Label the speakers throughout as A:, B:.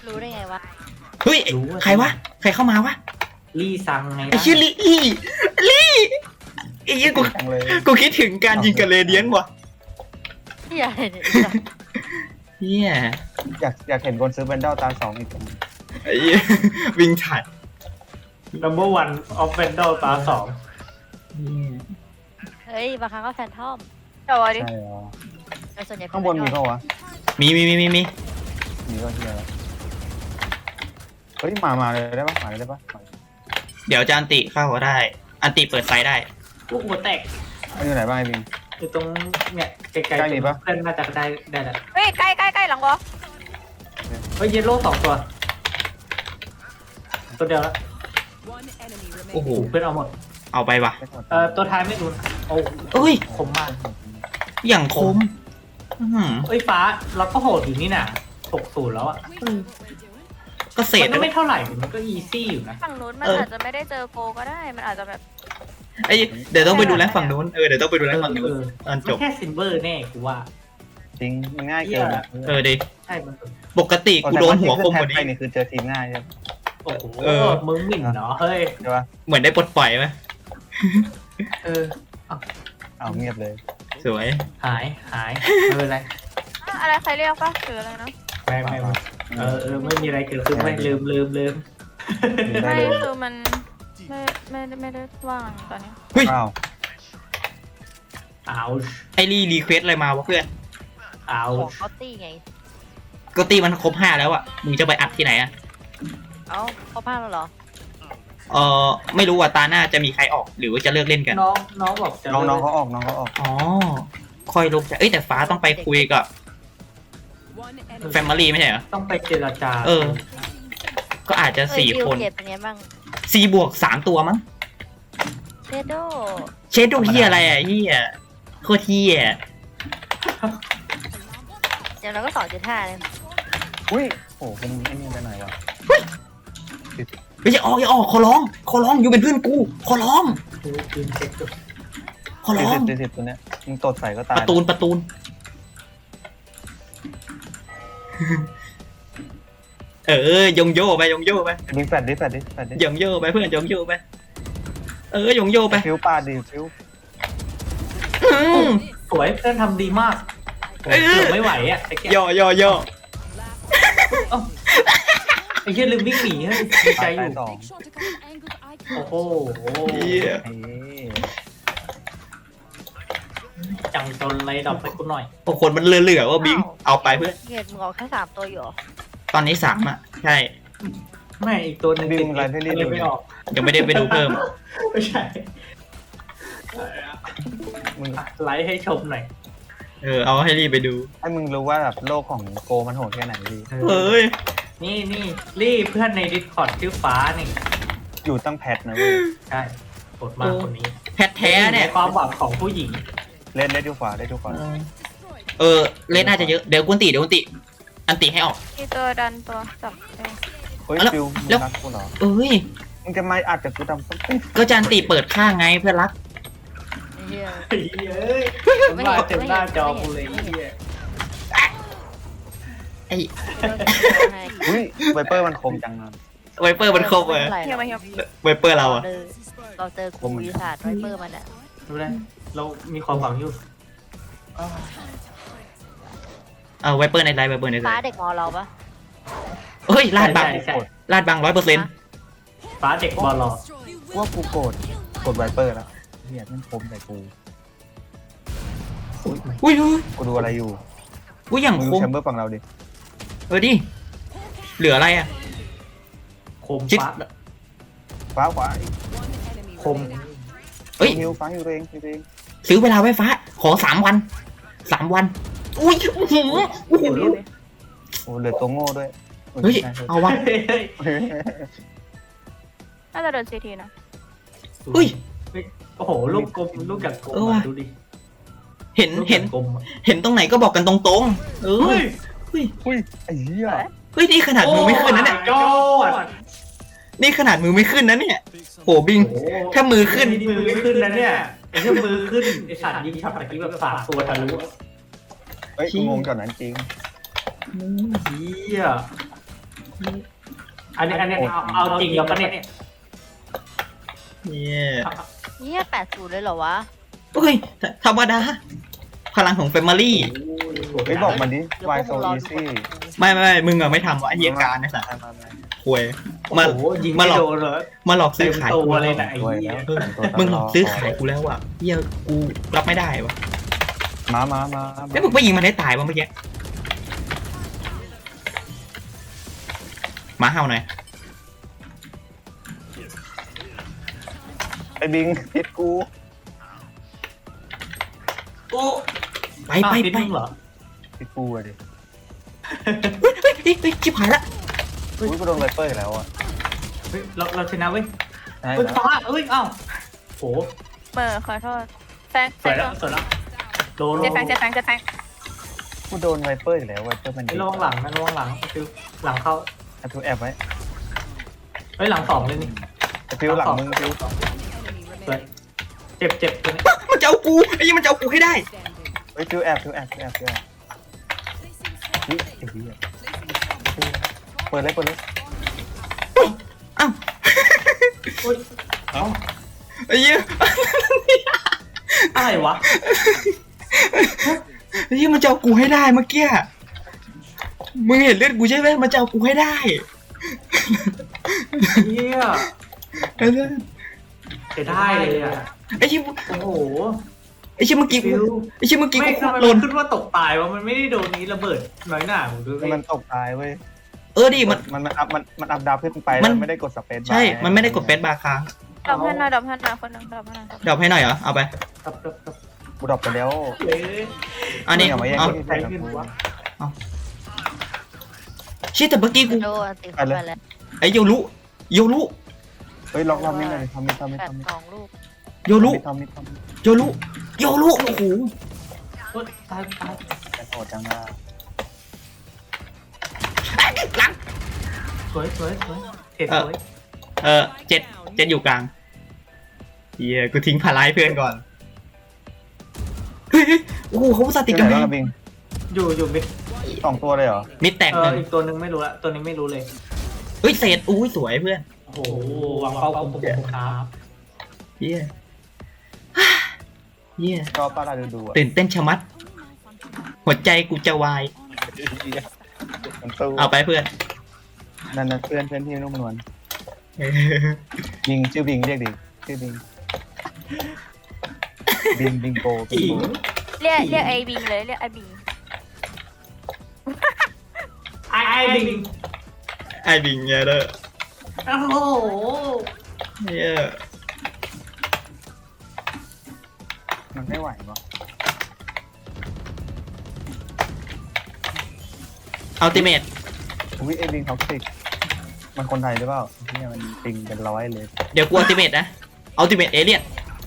A: รู้ได้ไงวะ
B: เฮ้ยใครวะใครเข้ามาวะ
C: ลี่ซังไง
B: ไอ้ชื่อลี่ไอ้ยี่กูคิดถึงการยิงกับเรเดียนว่ะ
A: ที่ใหญ่เนี่ย
B: เฮีย
D: อยากเห็นคนซื้อแบนเดลตา2อีก
B: ไอ้เหี้ยวิ่งฉัด
C: number one of Vandal ตาสอง
A: เฮ้ยบางครั้งก็แฟนทอม
E: แต่ว่าดิ
D: ใช่เหรอ
A: แต่ส่วนใหญ่
D: ข้างบนมีเปล่าวะ
B: มี
D: มีก็เฮียแล้วเฮ้ยมาเลยได้ปะมาเลยได้ปะ
B: เดี๋ยวจะอันติเข้าก็ได้ อันติเปิดไฟได้
C: ลูกหัวแตก
D: มันอยู่ไหนบ้างไอ้บิง
C: อยู่ตรงเนี่ยไกล
D: ใกล้มีปะ
C: เพื่อนน่าจะได้แหละ
E: เฮ้ยใกล้หลังวะ
C: เฮ้ยเยลโล่2 ตัวตัวเดียวแล้ว
B: โอ้โห
C: เพื่อนเอาหมด
B: เอาไปว่ะ
C: ตัวท้ายไม่รู้โอ้
B: เอ้ย
C: คมมาก
B: อย่างคมอื้อหือ
C: เอ้ยฟ้าเราก็โหดอยู่นี่น่ะ60แล้วอ่ะ
B: ก็เศษ
C: มันก็ไม่เท่าไหร่มันก็อีซี่อยู่นะ
E: ฝั่งนู้นมันอาจจะไม่ได้เจอโกก็ได้มันอาจจะแบบ
B: ไอ้เดี๋ยวต้องไปดูแลฝั่งนู้นเดี๋ยวต้องไปดูแลฝั่งนู้นตอนจ
C: มัน
B: บ
C: แค่ซิลเวอร์แน่กูว่า
D: จริงมันง่ายเกินอะ
B: ดิ
C: ใช่มัน
B: ปกติกูโดนหัวคมกว่า
D: ไป
B: นี้
D: นี่คือเจอทีมง่ายใช่ไหม
C: โอ้โหมึงหมิ่นเนาะเฮ้ย
D: ใช่ปะ
B: เหมือนได้ปลดปล่อยไหม
C: เออ
D: เอาเงียบเลย
B: สวย
C: หายไม่เป็นไร
E: อะไรใครเรียกปะหรืออะไรนะ
C: ไม่ไม่มีอะไรเกิดขึ้นไม่ลืม
E: ไม่คือมันไม่ได้ว่างตอนนี้
B: เฮ้ย
D: อ้าว
C: อ้าว
B: ไอรีเควสอะไรมาวะเพื่อน
C: อ้าว
A: ของเขาตีไง
B: ก็ตีมันครบ5แล้วอ่ะมึงจะไปอัดที่ไหนอ่ะ
A: เอ้าเขาพลาดแล้วเหรอ
B: ไม่รู้ว่าตาหน้าจะมีใครออกหรือว่าจะเลิกเล่นกัน
C: น้องบอกจะ
D: น้องเขาออกน้องเขาออก
B: อ๋อค่อยลงใจแต่ฟ้าต้องไปคุยกับแฟมิลี่ไม่ใช่เหรอ
C: ต้องไปเจรจา
B: ก็อาจจะ4 คน
A: เกตเป็นไงบ้าง
B: 4 บวก 3 ตัวมั้ง
A: เชโด
B: เชดดูเฮียอะไรอ่ะเฮียโคตรเฮีย
A: เดี๋ยวเราก็2.5เลย
D: อุ้ยโอ้คุณไอ้นี่ไปไหนวะ
B: ไม่ใช่อย่าออกขอร้องอยู่เป็นเพื่อนกูขอร้อง
C: คืนเช็คดู
B: ขอร้อง
D: 40ตัวเนี้ยมึงตดใส่ก็ตาย
B: ประตูนยงโย่ไป
D: บิงแฟดดิ
B: ยงโย่ไปเพื่อนยงโย่ไปยงโย่ไป
D: ฟิวปาดดิฟิว
C: สวยเพื่อนทำดีมากเกือบไม่ไหวอ่ะไอ้แก
B: ย่อ
C: ไอ้เหี้ยลืมวิ่งหนีดีใจอยู่
D: สอง
C: โอ้โห
B: เฮีย
D: เอ้ย
C: จังจนไรดอกไปกูหน่อย
B: พวกคนมันเหลือว่าบิงเอาไปเพื่อน
A: เกตมึงออกแค่3ตัวอยู่เหรอ
B: ตอนนี้3อ่ะใช่
C: ไม่อีกตัวนึง
D: บิงอะไรที่รีบ
C: เลย
D: ดู
C: ไม่ออก
B: ยังไม่ได้ไปดูเพิ่ม
C: ไม่ใช่
D: มึง
C: ไลฟ์ให้ชมหน่อย
B: เอาให้รีบไปดู
D: ให้มึงรู้ว่าแบบโลกของโกมันโหดแค่ไหนดี
B: ย
C: นี่รีบเพื่อนใน Discord ชื่อฟ้านี่
D: อยู่ตั้งแพทนะเว้ย
C: ใช่กดมากคนนี้
B: แพทแท้เนี่ย
C: ความหวังของผู้หญิง
D: เล่นดูขวา
B: เล่นน่าจะเยอะเดี๋ยวกุนติอันติให้ออก
E: มีตัวดันตัวจับเอง
D: เฮ้ย
B: แล้ว
D: ฟิว
B: แล้ว
D: รักกูเหรอ
B: เอ้ย
D: มึงจะมาอัดกับกูทำสัก
B: ก็จะอันติเปิดข้างไงเพื่อนรัก
A: เฮีย
C: เฮ้ยมาเต็มหน้าจอกูเลยเฮีย
B: ไอ้
D: อุ้ยไวเปอร์มันคมจังอะ
B: ไวเปอร์มันครบเลย
E: เฮียมาเฮีย
B: ไวเปอร์เราอะ
A: เราเจอครูวิทยาศาสตร์ไวเปอร์มันอ่ะ
C: ดูได้เรามีความหวังอยู่
B: ไวเปอร์ในไลน์
A: ฟ้าเด็กมอเราปะ
B: เฮ้ยลาดบัง
C: ใช่
B: ลาดบัง100%
C: ฟ้าเด็กบอลรอ
D: ว่ากูโกรธไวเปอร์แล้วเฮียมันคมใส่กู
B: อุ้ย
D: กูดูอะไรอยู่
B: อย่าง
D: มึง
B: ค
D: ดู
B: ม
D: แชมเบอร์ฝั่งเราดิ
B: ดิเหลืออะไรอะ
C: คม
B: ชิด
C: ฟ้า
D: ฟ้าขวา
C: คม
B: เฮ้ย
D: ฮิวฟ้าอยู่ตัวเอง
B: ซื้อเวลาไว้ฟ้าขอ3 วันอุ้ยโอ้โห
D: โอ้เหลือตัวโง่ด้วย
B: เฮ้ยเอาวะ
E: น่าจะเดินซีทีนะ
B: เฮ้ย
C: โอ้โหลูกกลมลูกอย่างกลมดูดิ
B: เห็น
C: ลูกอย่างกลม
B: เห็นตรงไหนก็บอกกันตรงๆ
C: เฮ้ย
D: อุ้ยไอ้เหี้ย
B: นี่ขนาดมือไม่ขึ้นนะเนี่ย
C: ยอด
B: นี่ขนาดมือไม่ขึ้นนะเนี่ยโหบิง ถ้ามือขึ้น
C: มือไม่ขึ้นนะเนี่ยไอ้เหี้ยมือขึ้นไอ้สัตว์ยิงช็อตตะกี้แบบ3 ตัวทะลุ
D: เฮ้ยกูงงก่อนนั้นจริง
C: เฮียอันนี้เอาจริงแล้วปะเนี่ย
B: เนี่ย
A: เนี่ย80เลยเหรอวะ
B: เฮ้ยธรรมดาพลังของแฟมิลี่
D: เฮ้ยบอกมันดิ
A: เดี๋ยว
D: why
A: พวก
D: so
A: มึงรอดู
D: easy
B: ไม่มึงอะไม่ทำวะไอ้เหี้ยการนะสัส
D: มา
B: ควย
C: โอ้โหยิงไม่โดนเลย
B: มาหลอกซื้อขาย
C: ตั
B: กู
C: ว
B: แล้
C: เล
B: วย
C: นะไอ้
D: ด้วย
C: เหี้
D: แล้
C: ยว
B: มึงหลอกซื้อขายกูแล้วอะเหี้ยกูรับไม่ได้วะ
D: มา
B: แล้วมึงไปยิงมันได้ตายวะเมื่อกี้หมาเห่าหน่อย
D: ไอ้บิงพิษกู
C: โอ้
B: ไป
C: อ้าว
B: ไป
C: พิษ
B: ไป
C: มึงเหรอ
D: พิษกูอะดิ
B: เฮ้ยชิบหายละ
D: อุ้ยกูโดนไวเปอร์อีกแล้วอ่ะ
C: เฮ้ยเราชนะเว้ย
D: ใช่
C: เฮ้ย
D: แล้ว
C: ฟ้าเฮ้ยเอ้าโห
E: เบอร์ขอโทษแฟง
C: สวยแล้วสวยแล้วโดน
E: เจ็ดแฟงเจ็ดแฟงเจ็ดแฟง
D: กูโดนไวเปอร์อีกแล้วไวเปอร์มัน
C: ไอ้ระวังหลังนะระวังหลังคือหลังเข้า
D: ไอ้ฟิวแอบไว้
C: เฮ้ยหลังสองเลยนี่
D: ไอ้ฟิวหลังมึงฟิว
C: สวยเจ็บตัวนี้
B: มันจะเอากูไอ้ยี่มันจะเอากูให้ได้
D: เฮ้ยฟิวแอบเฮ้ยไอ้เหี้ยเปิดเลย
B: อ้าว
C: โอ้ยเอ้า
B: ไอ้ยี่
C: อะไรวะ
B: ไอ้ยี่มันจะเอากูให้ได้เมื่อกี้มึงเห็นเลือดกูใช่ไหมมันจะเอากูให้ได้
C: เฮีย
B: ไอ้เหี้ย
C: จะได้เลยอ่ะ
B: ไอ้ยี่
C: โอ้โห
B: ไอ้ยี่เมื่อกี้กู
C: ฟิว
B: ไอ้ยี่เมื่อกี้
C: ไม่
B: กู
C: ทำไม
B: หล่
C: มัน นขึ้นว่าตกตายวะมันไม่ได้โดนนี้ระเบิดน้อยหน่าผมดูสิ
D: มันตกตายเว้ย
B: ดิมัน
D: มันอัพดาวขึ้นไป
B: มั
D: แล้
B: น
D: วไม่ได้กดสเปซ
B: ใช่มันไม่ได้กดเฟซบาร์ค้าง
E: ดับให้หน่อยดับให้หน่อยคนหนึ่งดับให้หน่อย
B: ดรอปให้หน่อยเหรอเอาไป
C: ครับ
D: กูดรอปไปแล้ว
C: เอ๊ะ
B: อันนี้
D: อย่ามาแย่ง
B: เอา
D: ที่
C: ใครขึ้นวะ
B: ชิแต่เมื่อกี้กู
A: โดนติดเข้าไปแล้ว
B: ไอ้โยรุ
D: เฮ้ยลองทำนี่หน่อยทำ
A: 82ลูก
B: โยรุ
D: ทำ
B: โยรุโอ้โห
C: โอ๊ยตาย
D: แต่โหดจังอ่ะ
B: หลัง
C: สวยเทสสวย
B: เจ็ดอยู่กลางเฮียกูทิ้งพาราให้เพื่อนก่อนเฮ้ยโอ้โหเขาอุตส่าห์ติดกัน
D: ไหน
B: แม่
D: บ้างบิง
C: อยู่มิด
D: 2 ตัวเลยเหรอ
B: มิดแตกหนึ่ง
C: อีกตัวหนึ่งไม่รู้ละตัวนี้ไม่รู้เลย
B: เฮ้ยเศษอุ้ยสวยเพื่อน
C: โอ้โหวางเป้าคมครับ
B: เฮียเฮีย
D: ชอบป้าเราดูอ่ะ
B: ตื่นเต้นชะมัด หัวใจกูจะวาย
D: มันตู้
B: เอาไปเพื่อน
D: นั่นเพื่อนที่นุ่มนวลบิงชื่อบิงเรียกดิชื่อบิงบิงโก
E: เรียกไอ้บิงเลยเรียกไอ้บิง
C: ไอ้บิง
B: ไอ้บิงเนี่ยเด้อ
C: โอ้โห
B: เฮีย
D: มันไม่ไหวปะ
B: อัลติเมท
D: อุ้ยไอ้บิงท็อกซิกมันคนไทยหรือเปล่าเนี่ยมันปิงเป็นร้อยเลย
B: เดี๋ยวกูอัลติเมทนะอัลติเมทเอเลียน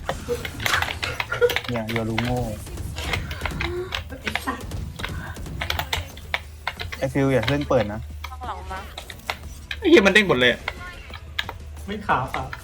D: เนี่ยโยรูโง่ไอฟิวอย่าเล่นเปิดนะ
E: ข้างหลังมา
B: เฮียมันเด้งหมดเลย
C: ไม่ขาวครับ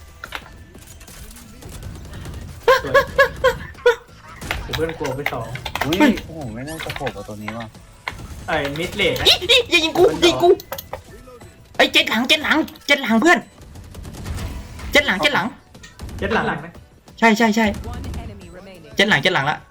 C: เพื่อนกลัวไปสอง
D: อุ้ยโอ้โหไม่น่าจะโผล่กับตัวนี้ว่ะ
C: ไอ้มิดเลดนะ
B: อย่ายิงกูไอ้เจ็ดหลังเพื่อนเจ็ดหลัง
C: เจ็ดหลังไหม
B: ใช่เจ็ดหลังละ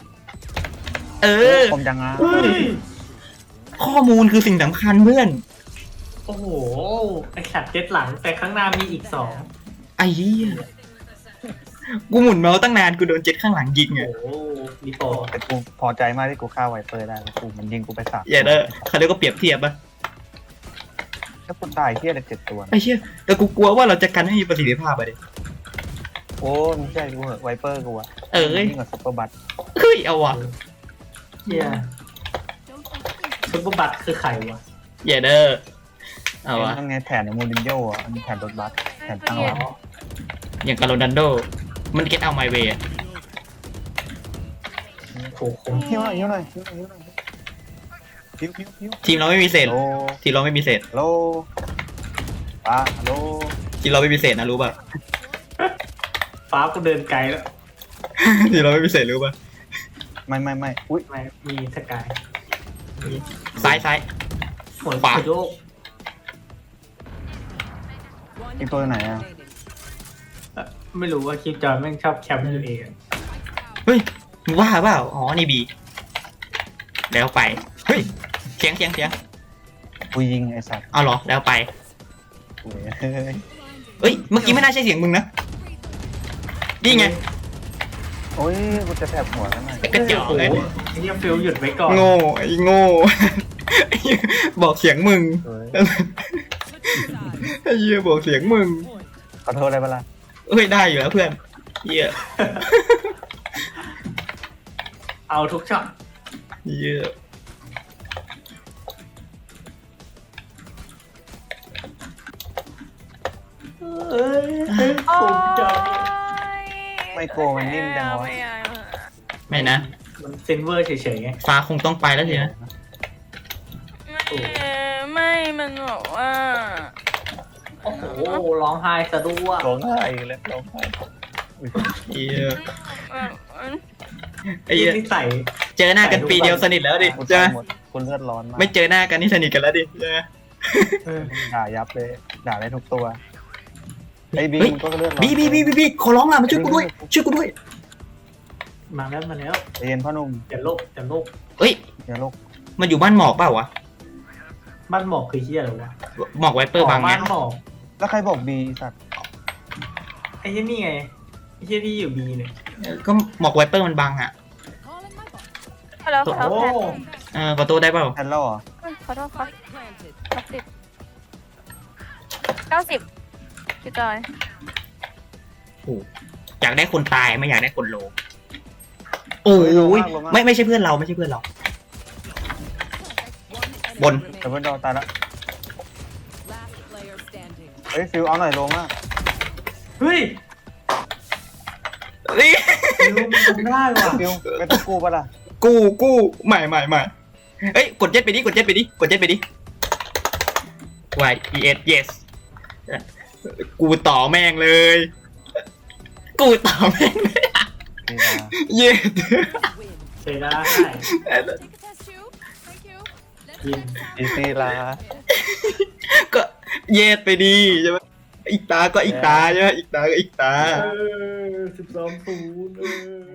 D: คมจังอ่ะ
B: ข้อมูลคือสิ่งสำคัญเพื่อน
C: โอ้โหไอสัตว์เจ็ดหลังแต่ข้างหน้ามีอีกสอง
B: ไอ้เหี้ยกูหมุนเมาส์ตั้งนานกูโดนเจ็ดข้างหลังยิง
C: โอ้
B: อ่ะ
C: โหมีโป
D: แต่กูพอใจมากที่กูฆ่าไวเปอร์ได้แล้วกูมันยิงกูไป3
B: อย่าเด้อเขาเรียกว่าเปรียบเทียบปะ
D: ถ้ากูตายเที่ยเลย7 ตัว
B: ไอ้เชี่ยแต่กูกลัวว่าเราจะกันให้มีประสิทธิภาพไปดิ
D: โอ้มึงใช่กูเหอะไวเปอร์กูอะ ยิ่งกว่าซุปเปอร์บัต
B: เฮ้ยเอาว่ะ
C: เฮียซุปเปอร์บัตคือใครวะ
B: อย่าเด้อเอาว่ะ
D: นั่นไงแผนของมูรินโญ่อะมันแผนรถบัสแผนตั้งรับ
B: อย่างกับโรนัลโดมันเก็ตเอาไมเวย์
C: โอ้โห
D: หิ้วหน่อยหิ้วพิ้ว
B: ทีมเราไม่มีเศษ
D: โล
B: ทีมเราไม่มีเศษ
D: โลปาโล
B: ทีมเราไม่มีเศษนะรู้ป่ะ
C: ฟ้าก็เดินไกลแล้ว
B: ทีมเราไม่มีเศษรู้ป่ะ
D: ไม่อุ้ย
C: ไม่มีสกาย
B: ซ้าย
C: หัว
B: ขวา
C: โยก
D: อีกตัวไหนอ่ะ
C: ไม่รู้ว่าคลิปจอยแม่งชอบแคมป์อยู่เอง
B: เฮ้ยมึงว่าเปล่าอ๋อนี่บีแล้วไปเฮ้ยเสียง
D: กูยิงไอ้สัตว์
B: เอาเหรอแล้วไป
D: เว้ย
B: เฮ้ยเมื่อกี้ไม่น่าใช่เสียงมึงนะนี่ไง
D: โอ้ยกูจะแทบหัวแล้วหน่อย
B: กระจอกเลย
C: ไอ้เหี้ยฟิลหยุดไว้ก่อน
B: โง่ไอ้โง่ บอกเสียงมึง
D: เว้ย
B: ไอ้เหี้ยบอกเสียงมึง
D: ขอโทษอะไรเปะล่า
B: เฮ้ยได้อยู่แล้วเพื่อนเหี้ย
C: เอาทุกช็อต
B: เหี้ย
C: เอ้ย
E: โอ้
C: ผมจะ
E: ย
D: ไม่โกมันนิ่มจังวะ
E: ไม่เอา
B: ไม่นะ
C: มันเซนเวอร์เฉยๆไง
B: ฟ้าคงต้องไปแล้วสินะ
E: ไม่มันบอกว่า
C: โอ้โหร้องไห้ซะด้วย
D: ร้องไห้อีกแล้วร้องไห้
B: เหี้ย
E: แบบมัน
B: ไอ้เหี้ย
C: นิสัย
B: เจอหน้ากันปีเดียวสนิทแล้วดิ
D: กู
B: ใช่ไหม
D: หมดกูเลือดร้อนมาก
B: ไม่เจอหน้ากันนี่สนิทกันแล้วดิใช่ไหม
D: ด่ายับเลยด่าได้ทุกตัวไอ้บี
B: เฮ้ย
D: มันก็เลือดร้อน
B: บีขอร้องล่ะมาช่วยกูด้วยช่วยกูด้วย
C: มาแล้วมาแล้ว
D: ใจเย็นพ่อหนุ่ม
C: อย่าโลกอย่าโลก
B: เฮ้ย
D: อย่าโลก
B: มันอยู่บ้านหมอกเปล่าวะ
C: บ้านหมอกคือเหี้ยอะไรวะ
B: หมอกไวเปอร์บางไง
C: บ้านหมอก
D: แล้วใครบอกบีสัตว์
C: ไอ้เหี้ยนี่ไงไอ้เหี้ยที่อยู่บีเนี่ย
B: ก็หมอกไวเปอร์มันบังอ่ะ
E: แล้วเขา
C: โอ้
E: แพ้
B: ขอโทษได้เปล่า
D: แทนแล้วเหรอ
E: ขอโทษครับ90พี่จอย
B: อยากได้คนตายไม่อยากได้คนโลโอ้ยไม่ใช่เพื่อนเราไม่ใช่เพื่อนเรา บน
D: แต่เพื่อนเราตายละเฮ้ยฟิวเอาหน่อยลงอ่ะ
C: เฮ้ย
B: นี่
C: ฟิลมันทำได้ว่ะ
D: ฟิวไม่ต้องกู้ปะล่ะ
B: กู้ใหม่เอ้ยกดเจ็ตไปดิกดเจ็ตไปดิ Y E S yes กูต่อแม่งเลย กูต่อแม่งเลย
D: ดีนะ
B: yes
C: เสียดายยิน
D: อีซีลา
B: ก็เย็ดไปดีใช่ไหมอีกตาก็อีกตาใช่ไหมอีกตาก็อีกตา
C: 12-0